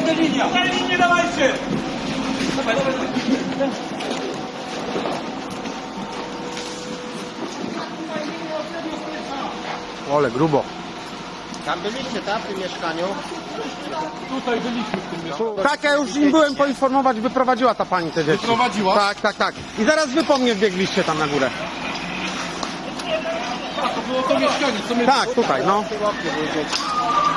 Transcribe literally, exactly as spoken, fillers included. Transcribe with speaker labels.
Speaker 1: Tutaj linia! Tutaj linię dawajcie! Dawaj, dawaj, dawaj.
Speaker 2: Ole, grubo.
Speaker 3: Tam byliście, tak, w tym mieszkaniu?
Speaker 1: Tutaj byliśmy w tym mieszkaniu.
Speaker 2: Tak, ja już im byłem poinformować, wyprowadziła ta pani te dzieci.
Speaker 1: Wyprowadziła?
Speaker 2: Tak, tak, tak. I zaraz wy po mnie wbiegliście tam na górę.
Speaker 1: A, to było to mieszkanie, co my...
Speaker 2: Tak, tutaj, no.
Speaker 3: Łapie były dzieci.